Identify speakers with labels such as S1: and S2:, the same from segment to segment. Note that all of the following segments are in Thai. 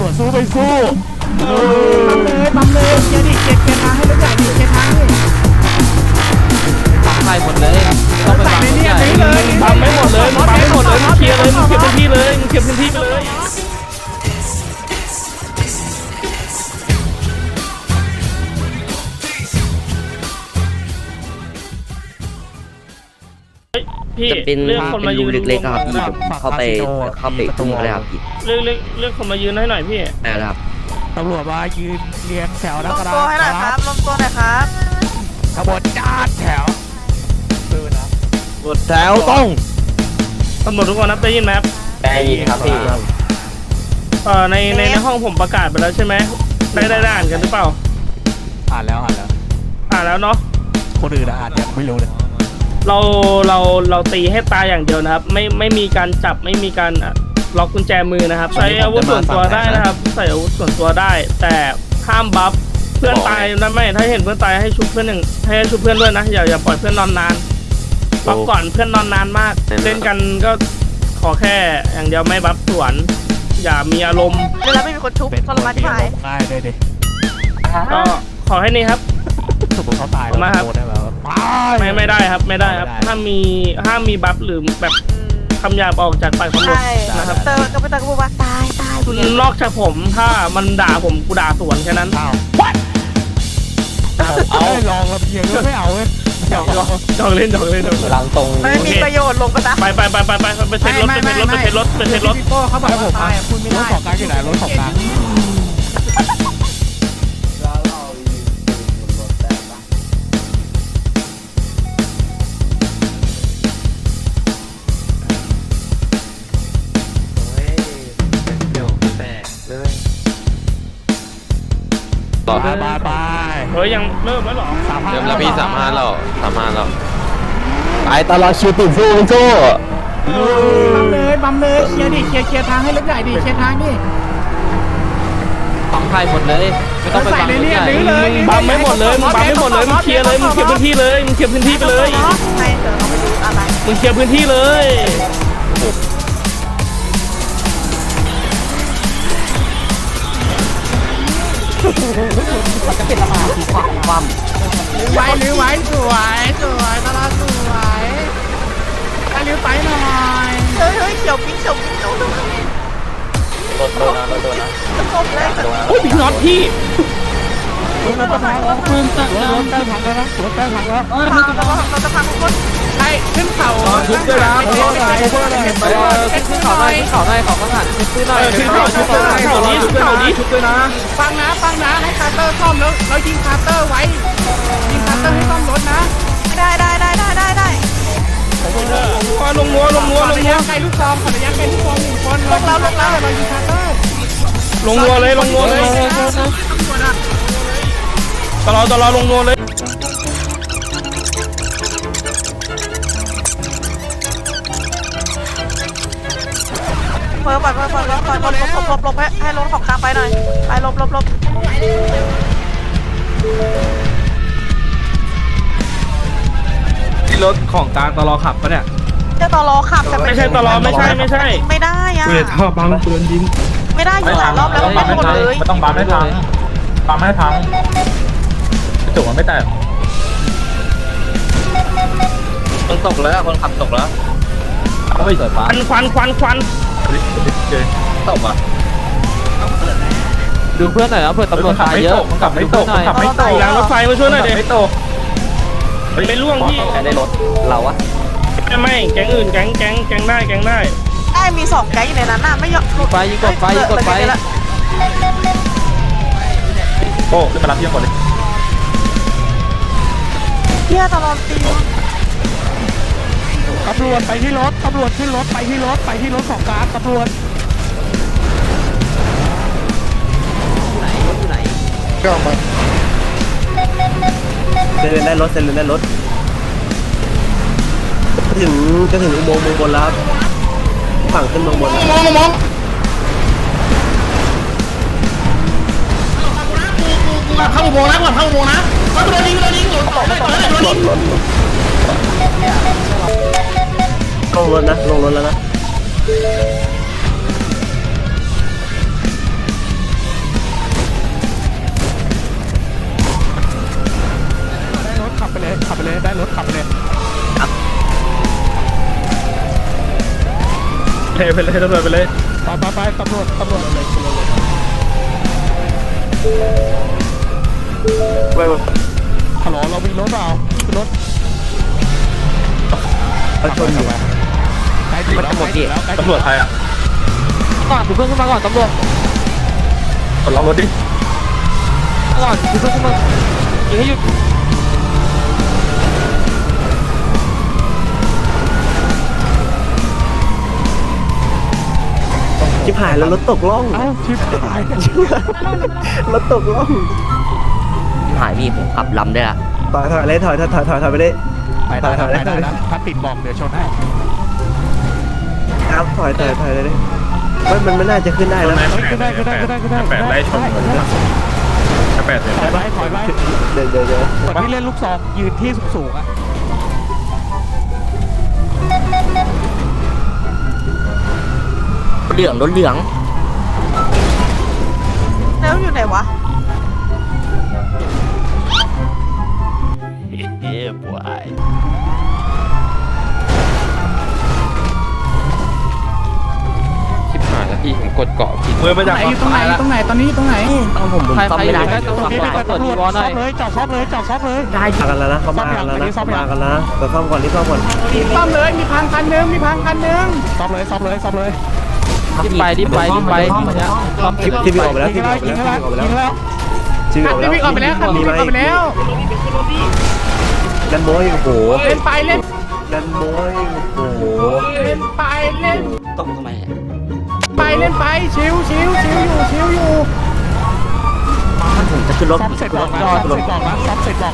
S1: วจสู้ไปสู้
S2: ปั๊มเลยเกียร์ดิเกียร์ทางให้รถใหญ่ดิเกียร์ทางดิ
S3: ปั๊มไล่หมดเลยต้องไปปั๊มรถใหญ่
S1: ปั๊มไม่หมดเลยปั๊มไม่หมดเลยเคลียร์เลยมึงเคลียร์พื้นที่เลยมึงเคลียร์พื้นที่ไปเลย
S4: จะเป็นรูเล็กๆครับพี่เข้าไปตุ้งเลยครับพี่
S1: เรื่องคนมายืนให้หน่อยพี่
S4: นะครับ
S1: ตำรวจมายืนเรียงแถวแล้วก็ได้
S2: ลงตัวให้หน่อยครับลงตัวหน่อยครับ
S1: ขบวนจ้าแถว
S3: กดแถวต้อง
S1: ตำรวจทุกคนนับได้ยินไหมครับ
S3: ได้ยินครับพี่
S1: ในห้องผมประกาศไปแล้วใช่ไหมได้อ่านกันหรือเปล่า
S3: อ่านแล้ว
S1: เนาะ
S3: คนอื่นอ่านยังไม่รู้เลย
S1: เราตีให้ตายอย่างเดียวนะครับไม่มีการจับไม่มีการล็อกกุญแจมือนะครับใช้อาวุธส่วนตัวได้นะครับใส่อาวุธส่วนตัวได้แต่ห้ามบัฟเพื่อนตายนะไม่ถ้าเห็นเพื่อนตายให้ชุบเพื่อนให้ชุบเพื่อนด้วยนะอย่าปล่อยเพื่อนนอนนานบัฟก่อนเพื่อนนอนนานมากเล่นกันก็ขอแค่อย่างเดียวไม่บัฟสวนอย่ามีอารมณ์
S2: เวลาไม่มีคนชุบทรมานที่หาย
S1: ง่ายเลยดิก็ขอให้นี่ครับ
S3: สมมติเขาตาย
S1: มาครับไม่ได้ครับห้ามมีบัฟหรือแบบคำหยาบออกจากปากตำรวจนะครับ
S2: เตอร์ก็ไม่ต้องพูดว่าตาย
S1: นอกจากผมถ้ามันด่าผมกูด่าสวนแค่นั้น
S3: เอาลองแล้วเพียงก็ไม่เอาเว้ย
S1: จองเล่น
S3: หลังตรง
S2: ไม่มีประโยชน์ลงไปซะ
S1: ไปเช็ครถ
S2: พี่โป้เขาบอกว่าตายคุณไม่ได้
S3: รถของกลางที่ไหนรถของกลาง
S1: ไปเฮ้ยยังเริ่มแล้วหรอ
S3: เริ่มแล้วพี่35แล้ว
S4: ไปตลอดชิวติดสู้
S2: ปั๊มเลยเคลียร์ดิเคลียร์ทางให้รถใหญ่ดิเคลียร์ทางดิ
S3: ปั๊มไล่หมดเลยไม่ต้องไปปั๊มรถใหญ่
S1: ปั๊มไม่หมดเลยมึงปั๊มไม่หมดเลยมึงเคลียร์เลยมึงเคลียร์พื้นที่เลยมึงเคลียร์พื้นที่ไปเลย
S2: ไม่เจอเราไม่รู้อะไร
S1: มึงเคลียร์พื้นที่เลย
S4: จะเป็นละมาสีความ
S2: ลื้อไว้สวยตลาดสวยลื้อไปหน่อยเฮ้ยเขียวปิ๊ง
S3: รถโดนนะ
S2: จะครบเลย
S1: โอ้ยพี่น็อตพี่
S2: รถพังแล้วเราจะพังทุกคนไอ้ขึ้นเขา
S3: ชุบด้วยนะขึ้นเขาได้ของก็หันขึ้นหน่อย
S1: ขึ้นเขานี้ชุบด้วยนะ
S2: ฟังนะให้คาร์เตอร์ซ่อมแล้วยิงคาร์เตอร์ไว้ยิงคาร์เตอร์ให้ซ่อมรถนะได้
S1: ลงนัว
S2: ใกล้ลูกซองระยะใกล้ลูกซอง1คนลงแล้วเรายิงคาร์เตอร์
S1: ลงนัวเลยตลอดลงนัวเลย
S2: เปิดหลบให้รถของกลางไปหน่อยไปหลบ
S3: ที่รถของกลางตลอขับปะเนี่ย
S2: จะตลอขับแต่
S1: ไม่ใช่ตลอไม่ใช่
S2: ไม่ได้อะ
S3: ถ้าบังปืนยิง
S2: ไม่ได้อยู่หลายรอบแล้วไม่หมดเลย
S3: ไม่ต้องบังให้พังจุกมันไม่แตกคนตกแล้วคนขับตกแล้วไม่เกิดฟ้า
S1: ควัน
S3: ตกอ่ะดูเพื่อนหน่อยนะเพื่อนตำรวจตายเยอะขับไม่ตก
S1: หลังรถไฟมาช่วยหน่อยดิ
S3: ไม่ตก
S1: ไม่ล่วงพี่
S3: ได้รถเราอะ
S1: ไม่แก๊งอื่นแก๊งได้
S2: มี2แก๊งอยู่ในนั้นน่ะไม่ยอม
S3: กดไฟโอ้ขึ้นมารับเพียงก่อนเลย
S2: เฮียตลอดตี
S1: ตำรวจไปที่รถขึ้นรถไปที่รถของกลางตำรวจ
S3: ไหน
S4: ก็มาเดินได้รถจะถึงอุโมงค์บนแล้วฝั่งขึ้นเมืองบน
S1: มองเข้าอุโมงค์นะก่อนเข้าอุโมงค์นะโดนยิง
S4: ลงรถแล้วนะ
S1: ไปเลยตำรวจไปเลย
S2: ไปตำรวจฮัลโหลเรามีรถเปล่ามีรถ
S4: เขาชนอยู่
S2: ใกล้ถึงแล้ว
S3: ตำรวจไทยอ่ะ
S5: ก่อนถือเพื่อนขึ้นมาก่อนตำรวจ
S3: กดล็อกรถดิ
S5: ก่อนถือเพื่อนขึ้นมายิงให้หยุด
S4: ชิบหายแล้วรถตกล่อง
S2: เอ้าชิบหาย
S4: รถตกล่องหายพี่ผมขับลำได้ละถอยเลยถอยไปเลย
S2: ไปได้นะถ้าติดบอกเดี๋ยวชนให้
S4: ครับถอยเลยมันไม่น่าจะขึ้นได้แล้ว
S2: ก็ได้
S3: แปดไล่ชนเหมือนกันแปดเลย
S2: ถอยไป
S4: เดี๋ยว
S2: คนที่เล่นลูกซองยืนที่สูงๆอ่ะ
S4: รถเหลือง
S6: แล้วอยู่ไหนวะ
S5: ชิบหายแล้วพี่ผมกดเกาะผิด
S3: มือมาจาก
S2: ตรงไหนตรงไหนตอนนี้ตรงไหน
S4: ต้องผม
S5: ใคร
S4: ซ่อม
S5: ใคร
S4: ไม่
S5: อ
S4: ได้
S5: ยู่ใกล้ตำรวจพี่ไปเปิดดีวอลหน่อย
S2: จอดซ่อมเลย
S4: ได้กันแล้วนะเขามากันแล้วนะแต่ซ่อมก่อนรีบซ่อมก่อน
S2: ซ่อมเลยมีพังคันนึงซ่อมเลย
S5: รีบไปซ่อม
S4: ทีวีออกไปแล้ว
S2: ยิงแล้ว
S4: ทีวีออกไปแล้ว
S2: มีไหม
S4: กันโม้ยโอ้โห
S2: เล่นไปเล่น
S4: กันโม้ยโอ้โห
S2: เล่นไปเล่น
S4: ต้องทำไม
S2: เล่นไปชิวอยู่
S4: ผมจะขึ้นรถ
S2: ซ่อมเสร็จบอกนะซ่อมเสร็จบอกนะ
S5: ซ่อมเสร็จ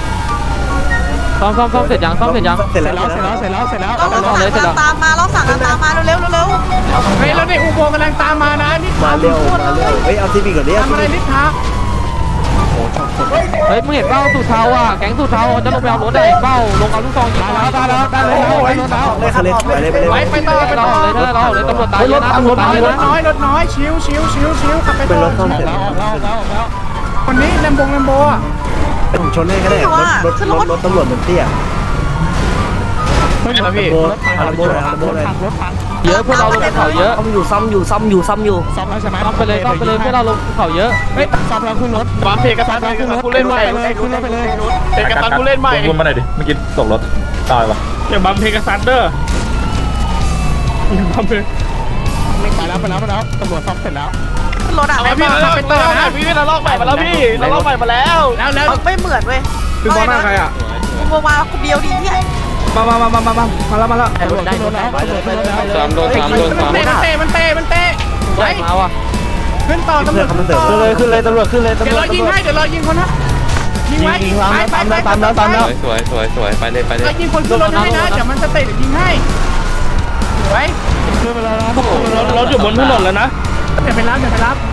S5: ยัง
S4: เสร็จแล้ว
S2: เรา
S5: เลยเสร็จแล้ว
S6: ตามมาเราสั่งกันตามมาเร็ว
S2: เฮ้ยแล้วในอุโมงค์กำลังตามมานะนี่
S4: มาเร็วเฮ้ยเอาทีวีก่อนดิ
S2: ทำอะไรนิดทัก
S5: เฮ้ยมึงเห็นเป้าสูตรเทาอ่ะแก๊งสูตรเทาจะลงไปเอารถได้เป้าลงเอาลูกซองยิงมา
S2: ได้แล้ว
S4: ไปเลย
S2: ไปต่อ
S5: เราเลยตำรวจตายเยอะนะตำรวจตายเยอะนะ
S2: รถน้อยชิวขับไป
S4: เป็น
S2: ต่อ
S4: รถซ่อมเสร็จ
S2: แล้วคนนี้แลมโบอ่ะ
S4: ผมชนให้ก็ได้รถตำรวจมันเตี้ย
S2: เฮ้ยพี่
S4: อาร์โบเลย
S2: รถพัง
S5: เยอะพวกเราลงเขาเยอะ
S4: ซ่อมอยู่
S2: ซ่อมแล้วใช่ไหม
S5: ซ่อมไปเลยพวกเราลงเขาเยอะ
S2: เฮ้ยซ่อมแล้วขึ้นรถ
S3: วางเพลงกระซันกูเล่นใหม่
S2: ขึ้นรถไปเลย
S3: เพลงกระซันกูเล่นใหม่วนมาหน่อยดิเมื่อกี้ตกรถตายวะ
S1: อย่าบัมเพกาซัสเดอร์อย่าบัมเพ
S2: ไปแล้วตำรวจซ่อมเสร็จแล้ว
S6: ๆรถอ่ะ
S3: พี่ไปต่อนะพี่เราลอกใหม่มาแล้วพี่เราลอกใหม่มาแล้ว
S6: ไม่เหมือนเว้ย
S3: คือมองหน้าใครอ่ะ
S6: กูมาคนเดียวดีเนี่ย
S1: มาแล้ว
S2: ตำรวจขึ้นรถแล้ว
S5: 3 โดน
S2: มันเตะ
S5: ได้มาว่ะ
S2: ขึ้นต่อตำรวจ
S1: ขึ้นเลยตำรวจขึ้นเลย
S2: เดี๋ยวเรายิงคนนะยิงไว้ไป
S5: สวยไปเลย
S2: ยิงคนขึ้นรถให้นะเดี๋ยวมันจะเตะยิงให้ไว้ขึ้นไปแล้วนะ
S1: รถอยู่บนถนนแล้วนะ
S2: เดี๋ยวไปรับ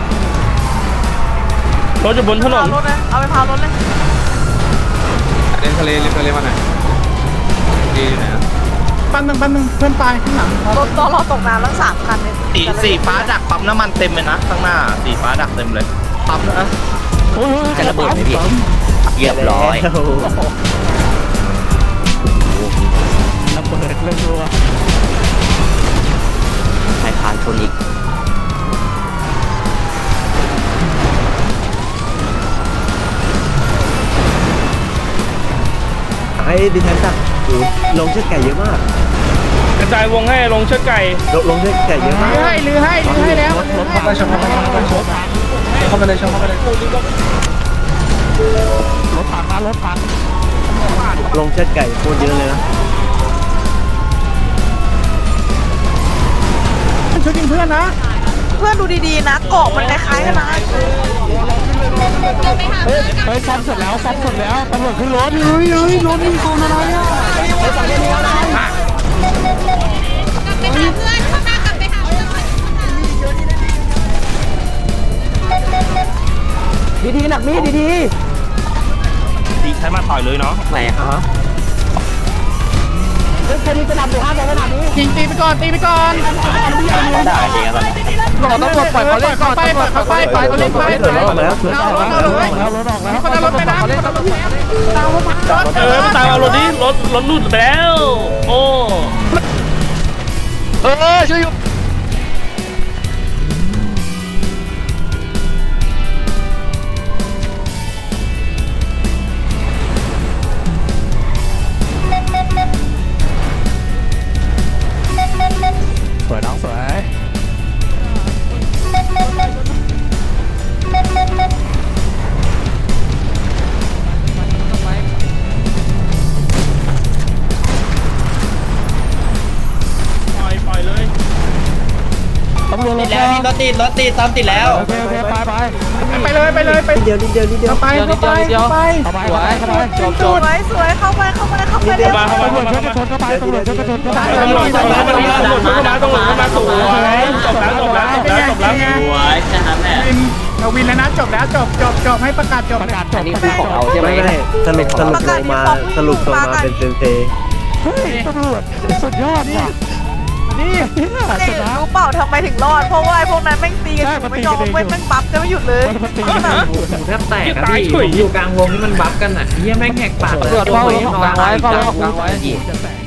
S1: รถอยู่บนถนน
S6: รถเลยเอาไปพารถเลย
S5: เล่นทะเลมาหน่อยดีอยู่ไหนอ่ะ
S2: ปั้นหนึ่งเพื่อนตายข้างหลัง
S6: รถเราตกน้ำทั้ง3 คันเลย
S3: สีฟ้าดักปั๊มน้ำมันเต็มเลยนะข้างหน้าสีฟ้าดักเต็มเลยปั๊มนะ
S4: จะระเบิดไหมพี่เรียบร้อย
S2: ระเบิดรัว
S4: ไอ้คานชนอีกไอ้ดิฉันจับลงเชือกไก่เยอะมาก
S1: กระจายวงให้ลงเชือกไก่
S4: ลงเชือกไก่เยอะมาก
S2: ลือให้แล้ว
S3: รถพังเลยชนเข้าไปเลย
S2: รถพัง
S4: ลงเชือกไก่โคตรเยอะเลยนะ
S2: ช่วยยิงเพื่อนนะ
S6: เพื่อนดูดีๆนะเกาะมันคล้ายๆกันนะ
S2: เฮ้ยซ่อมเสร็จแล้วตำรวจขึ้นรถรถมีคนอะไรอ่ะ
S4: ดีหนักมีดี
S1: ดีใช้มาต่อยเลยเนาะ
S4: ไหนฮะ
S2: ยิงตีไปก่อน
S4: ได้จริงครับ
S5: รอตำรวจปล่อยเขาเล่นก่อนตำรวจไปเขาเล่น
S4: เดี๋ยวออกแล้ว
S2: รถออกแล้วคนละรถไปนะ
S1: ตามเอารถดิรถหลุดไปแล้วโอ้
S3: ช่วยอยู่ติดตามติดแล้ว
S5: โอเคไป
S2: ไปเลยไป
S4: นิดเดียว
S2: เข้าไป
S5: เดี๋ยวเข้าไปจบ
S6: สวยสวยเข้าไปเข้าไปเข้าไปเร็ว
S1: มาเข้ามา
S5: ตำรวจ
S1: เข้า
S5: ช่วย
S1: มา
S5: กันชนเข้าไปตำรวจช่วยกันชนเข้าไป
S1: ตำรวจเข้ามาตำรวจเข้ามาสวยจบแล้วสวยใช่ครับแม่
S2: เราวินแล้วนะจบแล้วจบให้ประกาศจบ
S5: ประกาศจบ
S4: นี่คือของเราใช่ไหมสรุปลงมาเป็นเซนเซ
S5: เฮ้ยตำรวจสุดยอดว่ะนี่ชนะ
S6: รู้เปล่าทำไมถึงรอดเพราะว่าไอ้พวกนั้นแม่งตีกันอยู่ไม่ยอมเว้นแม่งบัฟกันไม่หยุดเลย
S3: แทบแตกครับพี่อยู่กลางวงที่มันบัฟกันอ่ะเฮียแม่งแหกปาก
S5: ตำรวจเฝ้าของกลางไว้เฝ้าของกลางไว้